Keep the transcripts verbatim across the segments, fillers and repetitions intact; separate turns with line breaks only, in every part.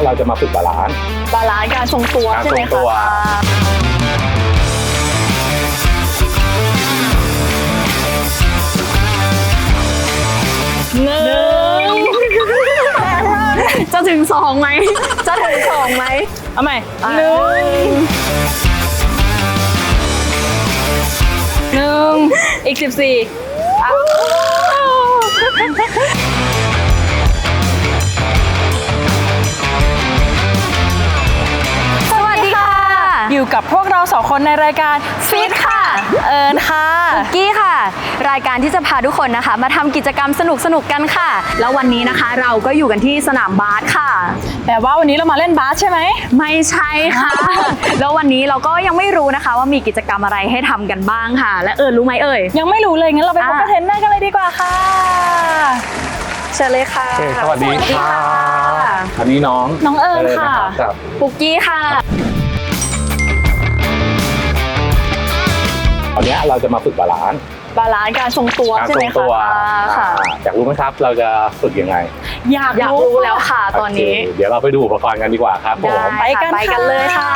เราจะมาฝึกบาลานซ์
บาลานซ์การทรงตัวใช่ไหมคะหนึ่งจะถึงสองไหมจะถึงสองไหมเอาใหม่หนึ่งหนึ่งอีกสิบสี่
สวัสดีค่ะอยู่กับพวกเราสองคนในรายการฟิตค่ะเอิญค่ะ
คุกกี้ค่ะรายการที่จะพาทุกคนนะคะมาทำกิจกรรมสนุกสนุกกันค่ะแล้ววันนี้นะคะเราก็อยู่กันที่สนามบาสค่ะ
แต่ว่าวันนี้เรามาเล่นบาสใช่ไหม
ไม่ใช่ค่ะ แล้ววันนี้เราก็ยังไม่รู้นะคะว่ามีกิจกรรมอะไรให้ทำกันบ้างค่ะและเอิญรู้ไหมเอ่ย
ยังไม่รู้เลยงั้นเราไปพบกับเทรนเนอร์กันเลยดีกว่าค่ะ
เชิญเลยค่ะ
สวัสดีค่ะอันนี้น้อง
น้องเอิญค่ะ
ปุกกี้ค่ะ
ตอนนี้เราจะมาฝึกบาลานซ์
บาลานซ์การทรงตัวใช่ไหมคะค่ะ
อยากรู้ไหมครับเราจะฝึกยังไง
อยากรู้แล้วค่ะตอนนี้
เดี๋ยวเราไปดูอุปกรณ์กันดีกว่าครับผม
ไปกันไปกันเลยค่ะ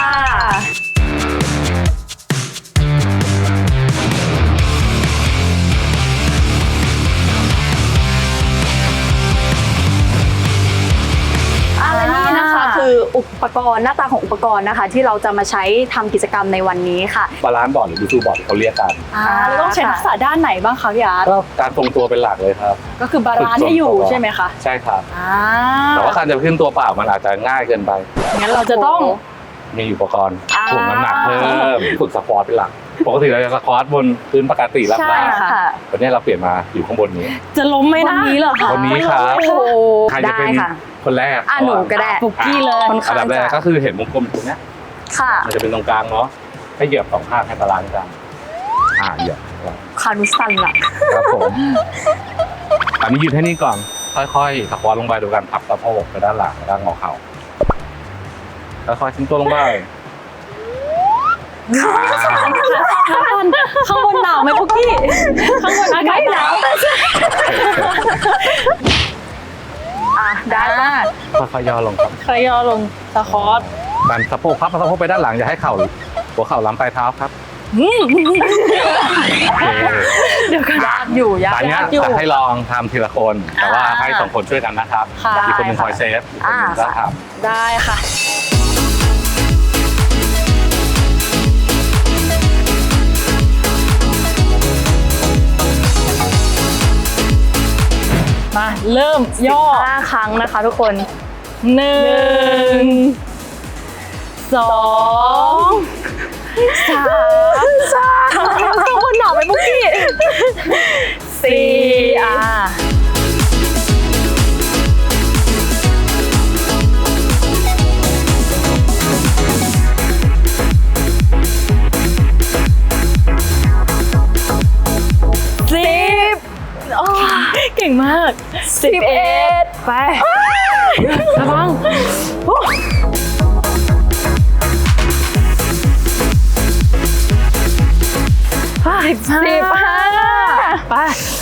และนี่นะคะคืออุปกรณ์หน้าตาของอุปกรณ์นะคะที่เราจะมาใช้ทำกิจกรรมในวันนี้ค่ะ
บาลานซ์บอร์ดหรือดูทูบอร์ดที่เขาเรียกกัน
เราต้องใช้ทักษะด้านไหนบ้างคะพี่อาร์ต
ก็การทรงตัวเป็นหลักเลยครับ
ก็คือบาลานซ์ให้อยู่ใช่ไหมคะ
ใช่ครับแต่ว่าการจะขึ้นตัวเปล่ามันอาจจะง่ายเกินไป
งั้นเราจะต้อง
มีอุปกรณ์ถ่วงน้ำหนักเพิ่มฝึกสควอตเป็นหลักปกติเราจะสควอตบนพื้นปกติรับได้วันนี้เราเปลี่ยนมาอยู่ข้างบนนี้
จะล้มไหมนะ
วันนี้เหรอคะ
วันนี้ครับใครจะเป็นคนแรก
อ่ะหนูก็ได้
ปุกกี้เลย
อันดับแรกก็คือเห็นวงกลมตรงนี้
ค่ะ
มันจะเป็นตรงกลางเนาะให้เหยียบสองข้างให้บาลานซ์กันอ่าเหยียบ
คารุสันล่ะ
ครับผมอันนี้ยืนให้นี่ก่อนค่อยๆสควอตลงไปโดยการพับสะโพกไปด้านหลังด้านงอเข่าค่อยๆทิ้งตัวลงไป
ข้างบนหนาวไหมปุกกี้ข้างบนอากาศหนาว
อ่ะได้
ค่อยๆย่อลงครับ
ค่อยย่อลงสควอต
ดันสะโพกพับสะโพกไปด้านหลังอย่าให้เข่าหัวเข่าล้ำปลายเท้าครับ
เดี๋ยวกันยากอยู่ยาก
อยู่จะให้ลองทำทีละคนแต่ว่าให้สองคนช่วยกันนะครับอีกคนหนึ่งคอยเซฟอีกคนหนึ่งก็ทำ
ได้ค่ะมาเริ่มย่อ
ห้าครั้งนะคะทุกคน
หนึ่งสองสามสามก็คนหนาวไปปุกกี้สี่อ่ะสิบเก่งมากสิบเอ็ดไประวังสิบสิบห้าไป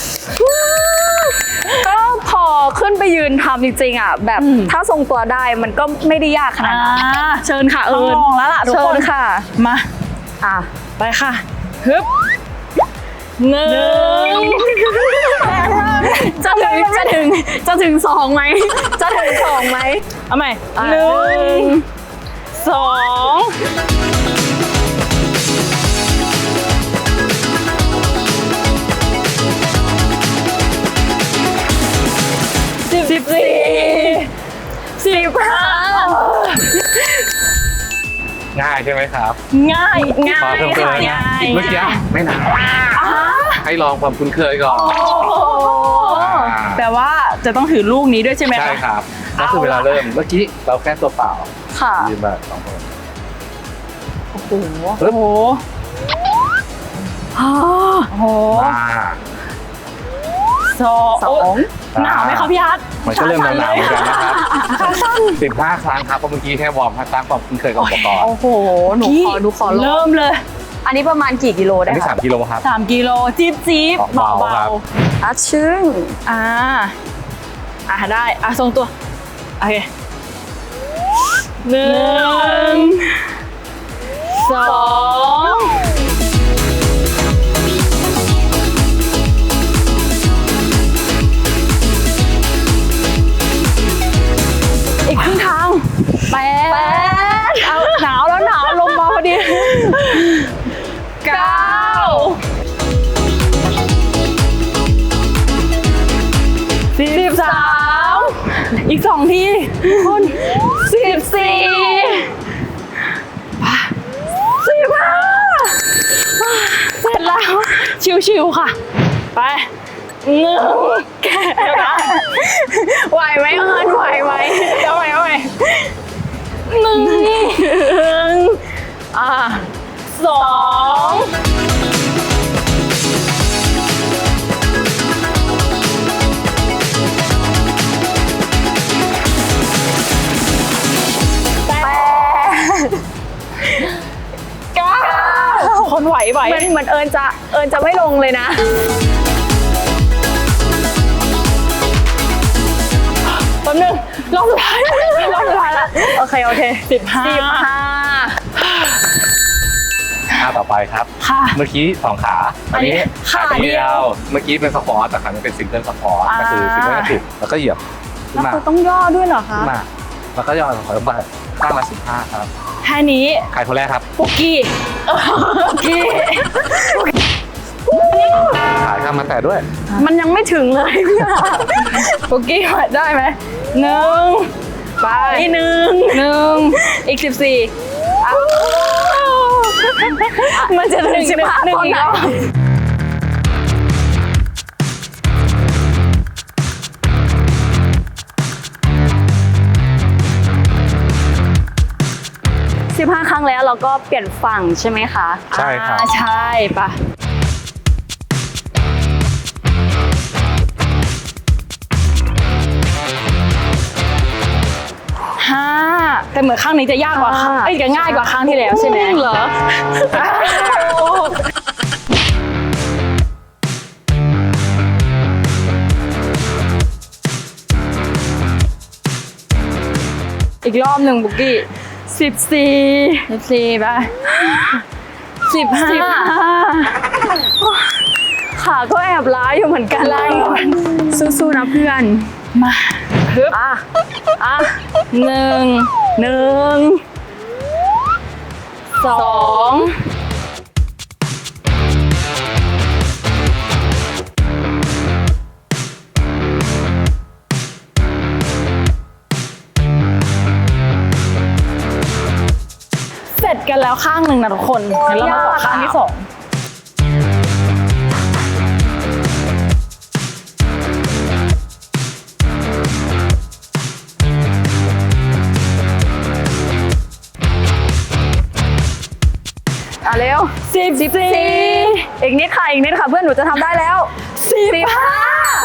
ก็พอขึ้นไปยืนทำจริงๆอ่ะแบบถ้าทรงตัวได้มันก็ไม่ได้ยากขนาดนั้นเชิญค่ะเอิญ
ลองแล้วล่ะทุกคน
ค่ะ
มา
อ่ะ
ไปค่ะฮึบหนึ่ง
จะถึงจะถึงจะถึงสองไหมจะถึงสองไหม
เอาใหม่หนึ่งสองสิบสี่สิบห้า
ง่ายใช่ไหมครับ
ง่ายง่าย
ค่ะง่ายเมื่อกี้ไม่นานให้ลองความคุ้นเคยก่อน
แต่ว่าจะต้องถือลูกนี้ด้วยใช่ไหมคะ
ใช่ครับก็คือเวลาเริ่มเมื่อกี้เราแค่ตัวเปล่า
ค่ะ
ยืนมาสองคน
โอ้โหโอ้โหโอ้โหสองหนาวไหมคะพี่อาร์ต
มันก็เริ่มหนาวเหมือนกันนะครับสิบห้าครั้งครับเพราะเมื่อกี้แค่วอร์มสร้างความคุ้นเคยกับอุปกรณ์
โอ้โหหนูขอหนูขอ
เริ่มเลย
อันนี้ประมาณกี่กิโลได้
อันนี้สามกิโลครับ
สามกิโลจิ๊บจิ๊บเบาเบา
อ่ะชึ่ง
อ่าอ่ะได้อ่ะทรงตัวโอเคหนึ่งสองอีกครึ่งทางแปดเอาหนาวแล้วหนาวลงมาพอดีเก้าสิบสามอีกสองทีคุณสิบสี่สิบห้าเสร็จแล้ว ชิวๆค่ะ ไปหนึ่งแกไหวไหมเอิญไหวไหมเดี๋ยวไหวไหวหนึ่งอ่าสองคนไหวไหว
เหมือนเหมือนเอิญจะเอิญจะไม่ลงเลยนะ
แป๊บนึงรอบสุดท้ายรอบสุดท้ายแล้ว
โอเค โอเค
สิบห้า
สิบห้า
ท่าต่อไปครับ
ค่ะ
เมื่อกี้สองขา
อันนี้ขาเดียว
เมื่อกี้เป็นสควอตแต่ครั้งนี้เป็นซิงเกิลสควอตก็คือซิงเกิลกระถูกแล้วก็เหยียบขึ้น
แล้ว
มา
คือต้องย่อด้วยเหรอคะ
ขึ้นมาแล้วก็ย่อถอยลงไปข้างละสิบห้าครับ
แค่นี้
ใครคนแรกครับ
ปุกกี้ปุกกี้
ขายข้ามมาแต่ด้วย
มันยังไม่ถึงเลย
ปุกกี้ได้ไหมหนึ่งไปหนึ่งหนึ่งอีกสิบสี่มันจะถึงสิบห้าตอนไหน
สิบห้าครั้งแล้วเราก็เปลี่ยนฝั่งใช่ไหมคะ
ใช่ครับ
อ่าใช่ปะห้าแต่เหมือนข้างนี้จะยากกว่าข้างเอ้ยจะง่ายกว่าข้างที่แล้วใช่ไหมเหรออีกรอบหนึ่งบุกกี้สิบสี่สิบสี่ไปสิบห้า
ขาก็แอบล้าอยู่เหมือนกัน
ล้าอยู่
สู้ๆนะเพื่อน
มาฮึบ
อ่ะ อ่ะ
หนึ่ง
หนึ่ง
สองเสร็จกันแล้วข้างหนึ่งนะทุกคนงั้นเรามาต่อข้างที่สอง
อ่ะเร็ว
สิบสี่
อีกนิดค่ะ อีกนิดค่ะ เพื่อนหนูจะทำได้แล้ว
สิบห้า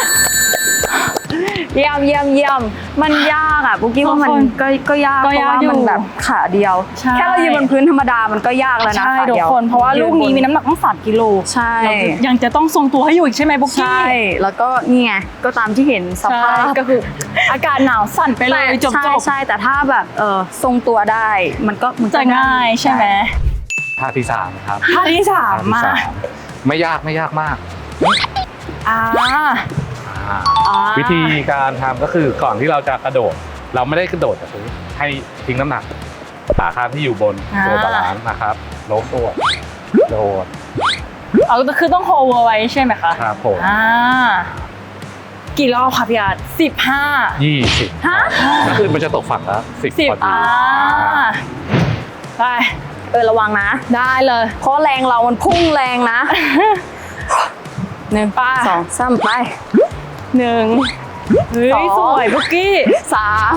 เยี่ยมเยี่ยมเยี่ยมมันยากอ่ะปุ๊กกี้ว่ามัน
ทุกคน
ก็ก็ยาก
ก็
เพราะ
ยาก
ว่า
อยู่
มันแบบขาเดียว
ใช่
แค่เรายืนบนพื้นธรรมดามันก็ยากแล้วนะ
ใช่
ขา
ทุก
เดียว
คนเพราะว่าลูกนี้มีน้ำหนักต้องสามกิโล
ใช่
ยังจะต้องทรงตัวให้อยู่อีกใช่ไหมบุ๊กกี้
ใช่ แล้วก็นี่ไง ก็ตามที่เห็นสภาพ
ใช่ก็คืออากาศหนาวสั่นไปเลยจบ
ใช่
จบ
ใช่แต่ถ้าแบบเออทรงตัวได้ มันก็มันก็
จะง่ายใช่ไหม
ท่าที่สามครับ
ท่าที่สาม
ท่าที่
มา
สามไม่ยากไม่ยากมาก
อ่า
อ่า
อ่า
วิธีการทำก็คือก่อนที่เราจะกระโดด เราไม่ได้กระโดดแต่คือให้ทิ้งน้ำหนักขาข้างที่อยู่บนตัวบาลานซ์นะครับโน้มตัวโดด
เอาคือต้องโฮเวอร์ไว้ใช่ไหมคะ
ครับผม
อ่ากี่รอบคะพี่อาร์ตสิบห้า
ยี่สิบ
ฮะ
ก็คือมันจะตกฝั่งแล้วสิบ
สิบ
พอดี
อ่าไป
เออระวังนะ
ได้เลย
เพราะแรงเรามันพุ่งแรงนะ หนึ่ง
ไป
สองสามไป
หนึ่งเฮ้
สอย ง
สวยบุกกี้
สาม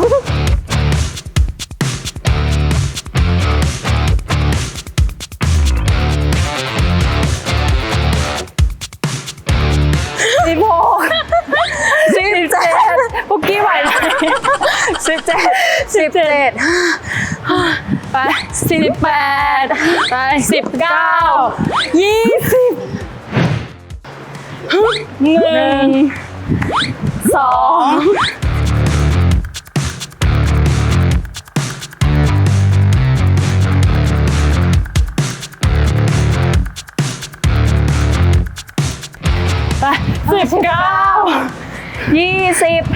สิบหกสิบเจ็ด
บุกกี้ไหวไหม
สิบเจ็ดสิบเจ็ด
ไปสิบแปดไปสิบเก้ายี่สิบหนึ่งสองเก้า
ยี่สิบ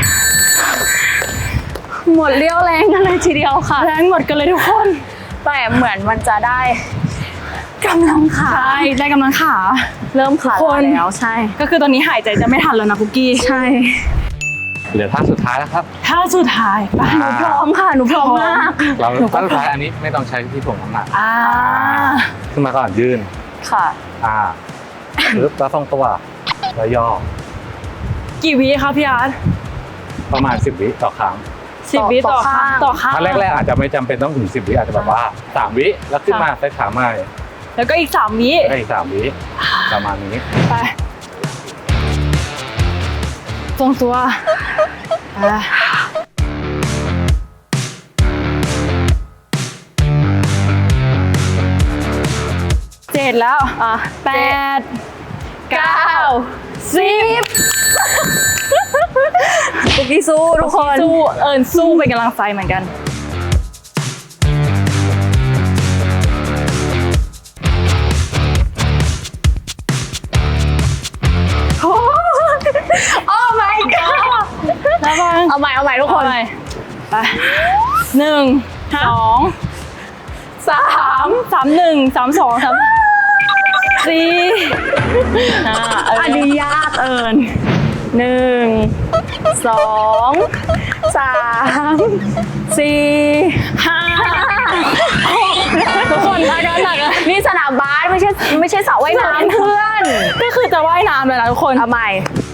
หมดเรี่ยวแรงกันเลยทีเดียวค่ะ
แรงหมดกันเลยทุกคน
แต่เหมือนมันจะได้กำลังขา
ใช่ได้กำลังขา
เริ่มขา
ทุกคน
แล้วใช่
ก็คือตอนนี้หายใจจะไม่ทันแล้วนะคุกกี้
ใช่
เหลือท่าสุดท้ายแล้วครับ
ท่าสุดท้ายไป
อ่า
พร้อมค่ะหนูพร้อมมาก
เราท่าสุดท้ายอันนี้ไม่ต้องใช้ที่ถ่วงน้ำหนัก
อ่า
ขึ้นมาก่อนยืน
ค่ะ
อ่าปึ๊บแล้วทรงตัวแล้วย่อ
กี่วิคะพี่อาร์ต
ประมาณสิบวิต่อครั้ง
สิบวิต่อข้างต่อข้าง
ถ้าแรกๆอาจจะไม่จำเป็นต้องถึงสิบวิอาจจะแบบว่าสามวิแล้วขึ้นมาใส่ขาใหม่
แล้วก็อีกสามวิ
ได้อีกสามวิประมาณนี้
ไปทรงตัวอ่ะเจ็ดแล้ว
อ่ะ
แปด
เก้าสิบปุกกี้สู้ทุกคน
สู้เอิญสู้เป็นกำลังใจเหมือนกัน
โอ้ my god
แล้วบ้าง
เอาใหม่เอาใหม่ทุกคน
ไปหนึ่งสองสามสามหนึ่งสามสองสามสี่ห้าเออ
อันนี้ยากเอิญหนึ่งสองสามสี่
ห้าทุกคนมากันหนักอะ
นี่สนามบาสไม่ใช่ไม่ใช่สระว่ายน้ำเพื่อน
ก็คือจะว่ายน้ำเลยนะทุกคน
เอาใหม่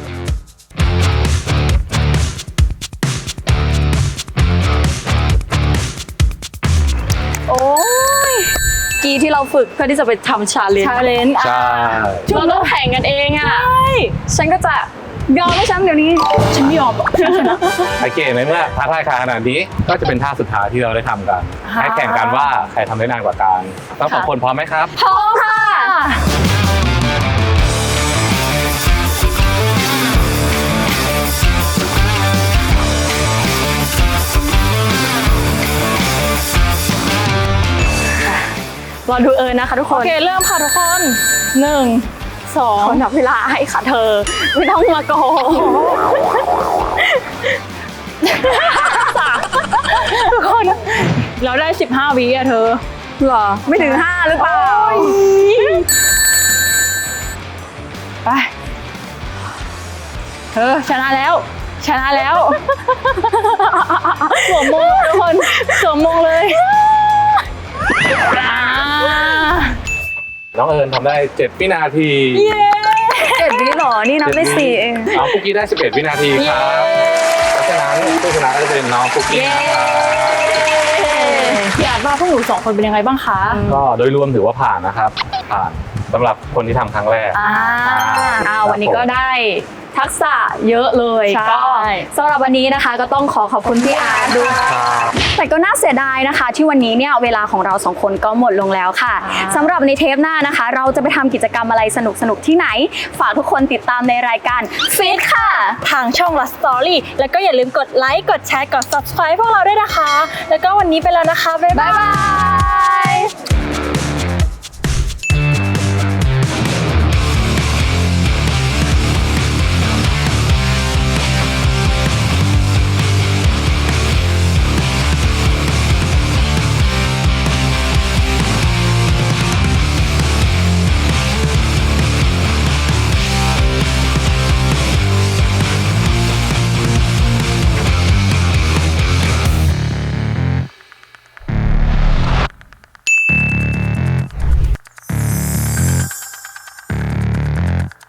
โอ้ยกีที่เราฝึกเพื่อที่จะไปทำชาเลนจ์
ชาเลนจ์
ใช่
เราต้องแข่งกันเองอ่ะ
ใช่
ฉันก็จะยอมให้ฉันเดี๋ยวนี้
ฉันไม่ยอมหรอกฉันชนะ
โอเคในเมื่อท้าทายขนาดนี้ก็จะเป็นท่าสุดท้ายที่เราได้ทำกัน
ค่ะ
ให้แข่งกันว่าใครทำได้นานกว่ากันทั้งสองคนพร้อมไหมครับ
พร้อมค่ะ รอดูเอิญนะคะทุกค
โอน เคเริ่มค่ะทุกคนหนึ่งสอง
คนนับเวลาให้ค่ะเธอ ไม่ต้องมาโกง
ทุกคนเราได้สิบห้าวิอะเธอ
เหรอ ไม่ถึงห้าหรือเปล่า
ไปเธอชนะแล้ว ชนะแล้วสวมมงทุกคนสวมมงเลยอ่า
น้องเอิญทำได้เจ็ดวินาที
เย้
เจ็ดวิเหรอ นี่นับได้สี่เอง
น้องคุกกี้ได้สิบเอ็ดวินาทีครับเพราะฉะนั้นผู้ชนะก็จะเป็นน้องคุกกี้นะครับ
อยากว่าพวกหนูสองคนเป็นยังไงบ้างคะ
ก็โดยรวมถือว่าผ่านนะครับ ผ่านสำหรับคนที่ทำครั้งแรก
อ่า
ครับ
อ่าวันนี้ก็ได้ทักษะเยอะเลย
ใช่
ก็สำหรับวันนี้นะคะก็ต้องขอขอบคุณพี่อาร์ตด้วย
ครับ
แต่ก็น่าเสียดายนะคะ ที่วันนี้เนี่ยเวลาของเราสองคนก็หมดลงแล้วค่ะ
อ่า
สำหรับในเทปหน้านะคะ เราจะไปทำกิจกรรมอะไรสนุกๆที่ไหน ฝากทุกคนติดตามในรายการฟิตค่ะ
ทางช่อง Last Story แล้วก็อย่าลืมกดไลค์ กดแชร์ กด Subscribe พวกเราด้วยนะคะ แล้วก็วันนี้ไปแล้วนะคะ บ๊าย
บ๊า
บาย ย
บาย